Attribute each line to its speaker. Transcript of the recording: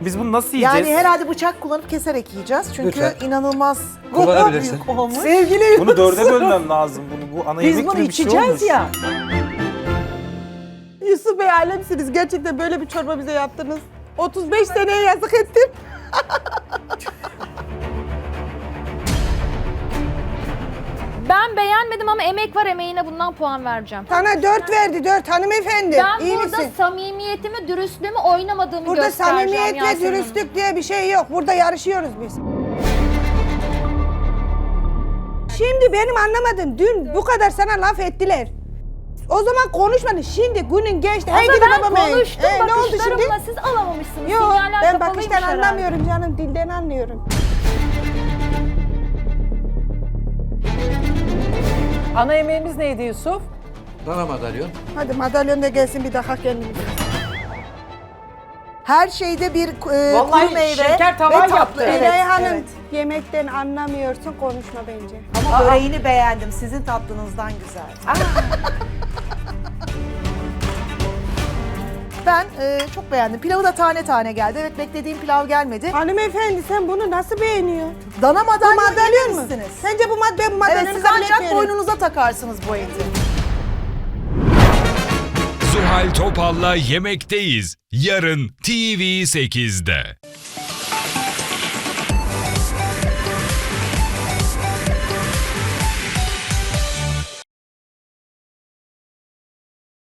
Speaker 1: Biz bunu nasıl yiyeceğiz?
Speaker 2: Yani herhalde bıçak kullanıp keserek yiyeceğiz. Çünkü
Speaker 3: Lütfen.
Speaker 2: inanılmaz
Speaker 3: Kullanabilirsin.
Speaker 2: büyük olmuş.
Speaker 4: Sevgili
Speaker 1: Bunu dörde bölmem lazım bunu. Bu ana
Speaker 4: biz
Speaker 1: yemek
Speaker 4: bunu
Speaker 1: gibi bir şey
Speaker 4: içeceğiz
Speaker 1: olmuş.
Speaker 4: ya.
Speaker 5: Yusuf Bey alemsiniz. Gerçekten böyle bir çorba bize yaptınız. 35 seneye yazık ettim.
Speaker 6: Ben beğenmedim ama emek var, emeğine bundan puan vereceğim.
Speaker 5: Sana 4 verdi 4 hanımefendi.
Speaker 6: Ben
Speaker 5: İyi
Speaker 6: burada
Speaker 5: misin?
Speaker 6: samimiyetimi, dürüstlüğümü oynamadığımı
Speaker 5: Burada
Speaker 6: göstereceğim
Speaker 5: samimiyet ve
Speaker 6: Yasemin Hanım.
Speaker 5: dürüstlük diye bir şey yok. Burada yarışıyoruz biz. Şimdi benim anlamadım. Dün bu kadar sana laf ettiler. O zaman konuşmadın. Şimdi günün geçti.
Speaker 6: Ama
Speaker 5: Hey gidi
Speaker 6: ben
Speaker 5: babam hey.
Speaker 6: konuştum
Speaker 5: Ne oldu şimdi?
Speaker 6: bakışlarımla, siz alamamışsınız.
Speaker 5: Yok
Speaker 6: Sinyaller
Speaker 5: ben
Speaker 6: kapalıymış
Speaker 5: bakıştan
Speaker 6: herhalde.
Speaker 5: anlamıyorum canım. Dilden anlıyorum.
Speaker 4: Ana yemeğimiz neydi Yusuf?
Speaker 3: Dana madalyon.
Speaker 5: Hadi madalyon da gelsin bir daha kendimize.
Speaker 2: Her şeyde bir
Speaker 4: Vallahi
Speaker 2: kuru meyve
Speaker 4: şeker tavan
Speaker 2: ve tatlı.
Speaker 4: yaptı.
Speaker 2: Evet,
Speaker 5: Elay Hanım
Speaker 2: evet.
Speaker 5: yemekten anlamıyorsun konuşma bence.
Speaker 2: Ama böreğini beğendim. Sizin tatlınızdan güzel. Ben çok beğendim. Pilavı da tane tane geldi. Evet, beklediğim pilav gelmedi.
Speaker 5: Hanımefendi sen bunu nasıl beğeniyorsun?
Speaker 2: Dana
Speaker 5: Bu
Speaker 2: madalyon
Speaker 5: madalyon mu?
Speaker 2: yememişsiniz.
Speaker 5: Sence bu ben bu madalyonu
Speaker 2: Evet, siz
Speaker 5: kabul
Speaker 2: ancak
Speaker 5: etmiyorum.
Speaker 2: boynunuza takarsınız bu eti.
Speaker 7: Zuhal Topal'la Yemekteyiz. Yarın TV8'de.